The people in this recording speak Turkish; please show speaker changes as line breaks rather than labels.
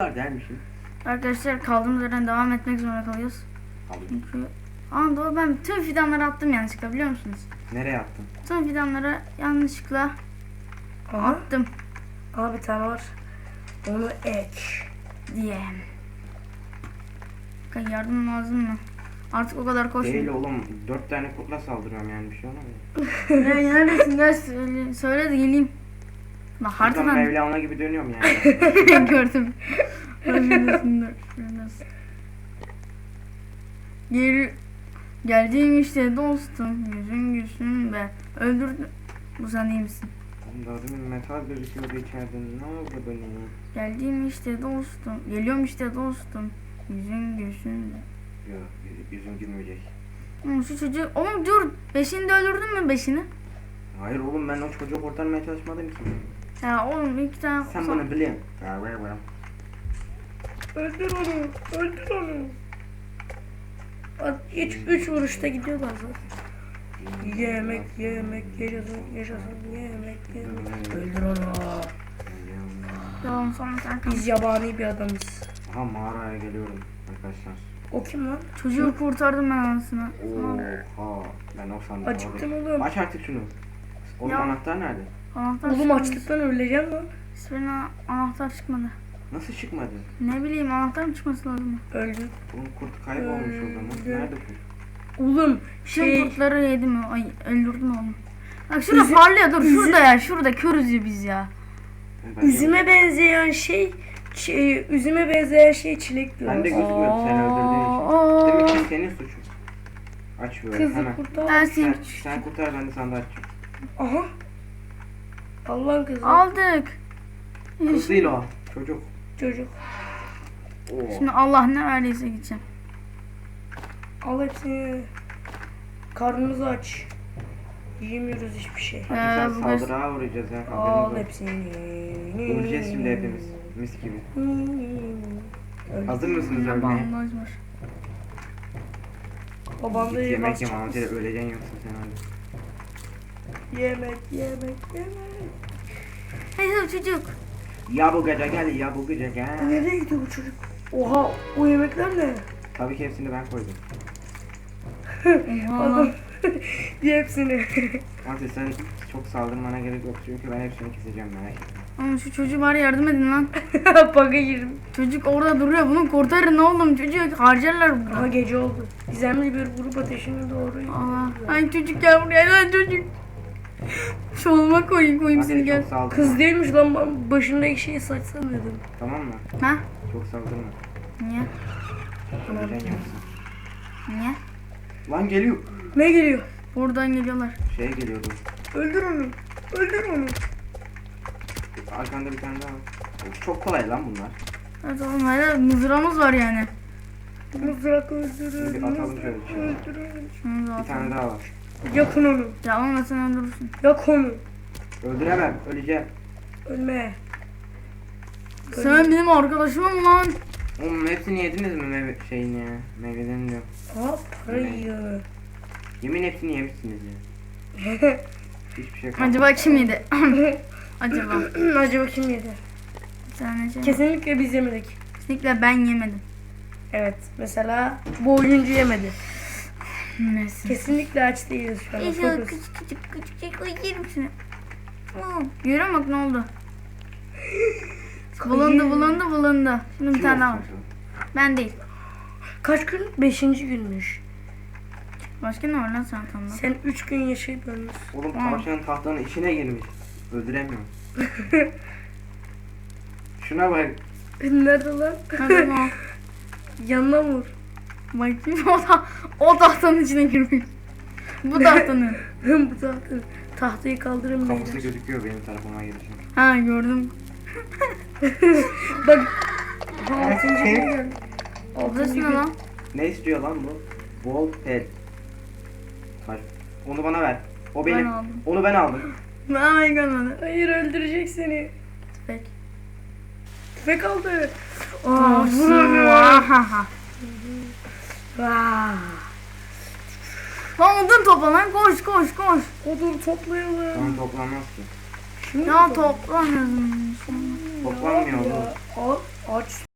Gelmişim.
Arkadaşlar kaldığımız yerden devam etmek zorunda kalıyoruz. Çünkü doğru, ben tüm fidanları attım yanlışlıkla, biliyor musunuz?
Nereye attın?
Tüm fidanları yanlışlıkla attım
Bir tane var. Onu ek
diye. Yardım lazım mı? Artık o kadar koşmuyor.
Değil oğlum. 4 tane kurtla saldırıyorum yani, bir şey olamıyor.
Ya neredesin? Gel söyle de geleyim. Bak
Kurtlan
haritadan
Mevlana gibi dönüyorum yani.
gördüm. Geldiğim işte dostum, yüzün gülsün be. Öldürdüm. Bu sen iyi misin?
Oğlum daha demin metal gözüküyordu içeride. Ne oldu bu ne?
Geldiğim işte dostum. Geliyorum işte dostum. Yüzün gülsün be.
Yok, yüzüm gülmeyecek.
Şu çocuğu... Oğlum dur. Beşini de öldürdün mü beşini?
Hayır oğlum, ben o çocuğu kurtarmaya çalışmadım ki.
Ya oğlum iki tane...
Sen bunu biliyorsun.
öldür onu. Öldür onu. Hiç 3 vuruşta gidiyorlar zaten. Yemek yaşasın yemek. Öldür onu.
Tamam, sonra sen kal.
Biz yabani bir adamız.
Aha, mağaraya geliyorum arkadaşlar.
O kim lan?
Çocuğu kurtardım ben anasını.
Oha, ben o sandım.
Acıktım oğlum.
Aç artık şunu. Oğlum
Ya.
anahtar nerede?
Anahtar
Oğlum
çıkmadı.
açlıktan öleceğim lan.
Hiçbirine anahtar çıkmadı.
Nasıl çıkmadı?
Ne bileyim, anahtar mı çıkması lazım?
Öldü.
Oğlum kurt kaybolmuş o zaman. Nerede kurt?
Oğlum
Şey, kurtları yedi mi? Ay, öldürdüm oğlum. Bak şurada parlıyor, dur şurada ya, şurada körüz ya biz ya.
üzüme benzeyen şey üzüme benzeyen şey çilek diyor.
Ben de gözükmüyordu sen öldürdüğün için. Demek ki senin suçun. Aç böyle
Kızı
hemen.
kurtar.
Ersin
Sen kurtar, ben de sandığı açacağım.
Aha. Allah'ın kızı.
aldık.
Kız değil o. Çocuk.
Çocuk.
Oo.
Şimdi Allah ne verdiyse gideceğim.
Al hepsini. Karnımızı aç. Yiyemiyoruz hiçbir şey.
Hadi sen
bu
saldırıya uğrayacağız ya.
Al
Haberiniz olsun.
hepsini.
Öleceğiz şimdi hepimiz. Mis gibi. Hazır mısınız ölmeye?
Bandaj var.
Babam da
Git yemek
basacak
yeme amca,
mısın?
öleceksin yoksa sen hadi.
Yemek.
Hey çocuk.
Ya bu gece gel, ya bu gece gel.
Nereye gidiyor bu çocuk? Oha, o yemekler ne?
Tabii ki hepsini ben koydum.
Adam diye hepsini.
Amca sen çok saldırmana gerek yok çünkü ben hepsini keseceğim, merak etme.
Oğlum şu çocuğu bari yardım edin lan.
Baka girdim.
Çocuk orada duruyor, bunu kurtarın oğlum, çocuğu harcarlar burada.
Aha gece oldu. Gizemli bir grup ateşine doğru.
Allah. Ay çocuk gel buraya lan çocuk. Şoluma koyayım seni,
Hadi
gel.
çok saldırma.
Kız değilmiş lan, ben başındaki şeyi saçsam dedim.
Tamam mı?
Ha?
Çok saldırma.
Niye?
Öleceksin yoksa.
Niye?
Lan geliyor.
Ne geliyor?
Buradan geliyorlar.
Şey geliyordu.
Öldür onu. Öldür onu.
Arkanda bir tane daha var. Of, çok kolay lan bunlar.
Evet oğlum, hala mızrağımız var yani.
Mızrak
Bir
öldürün.
atalım şöyle içeri.
Öldürün.
Şunu da
Bir
atalım.
tane daha var.
Yakın onu.
Ya olma, sen öldürürsün.
Yak onu.
Öldüremem, öleceğim.
Ölme.
Sen benim arkadaşımım lan.
Oğlum hepsini yediniz mi şeyini ya? Meyvelerini diyor.
Aa, para yiyor.
Yemin hepsini yemişsiniz ya. Hiçbir şey kalmadı.
Acaba kim yedi? Acaba.
Acaba kim yedi?
Bir tane şey.
Kesinlikle biz yemedik.
Kesinlikle ben yemedim.
Evet. Mesela bu oyuncu yemedi.
Neyse.
Kesinlikle aç değiliz şu an.
Şöyle
Fokus.
küçük yerim seni. Görüyor musun bak ne oldu? Bulundu. Şimdi bir
Kim
tane daha var.
olsun
Ben değil.
Kaç gün? 5. günmüş.
Başka ne var lan çantamda?
Sen 3 gün yaşayıp ölmüşsün.
Oğlum tavşanın tahtanın içine girmiş. Öldüremiyorum. Şuna bak.
Nerede lan?
Hadi bak.
Yanına vur.
Bakayım, o tahtanın içine girmiş. Bu tahtanın.
Bu tahtayı kaldırın
Kafası
beyler.
gözüküyor benim tarafıma gelişim.
Ha, gördüm.
Bak. 6. gün geldi.
Burası ne lan?
Ne istiyor lan bu? Bol pet. Taş. Onu bana ver. O benim.
Ben aldım.
Onu ben aldım.
Ay kanalım.
Hayır, öldürecek seni.
Peki.
Tüfek aldı.
Vahaha.
Vaa.
Lan odun topla lan, koş.
Odun toplayalım.
Tamam, toplanmaz ki.
Şimdi
Ya toplamıyorsun.
Toplanmıyor oğlum.
Al, aç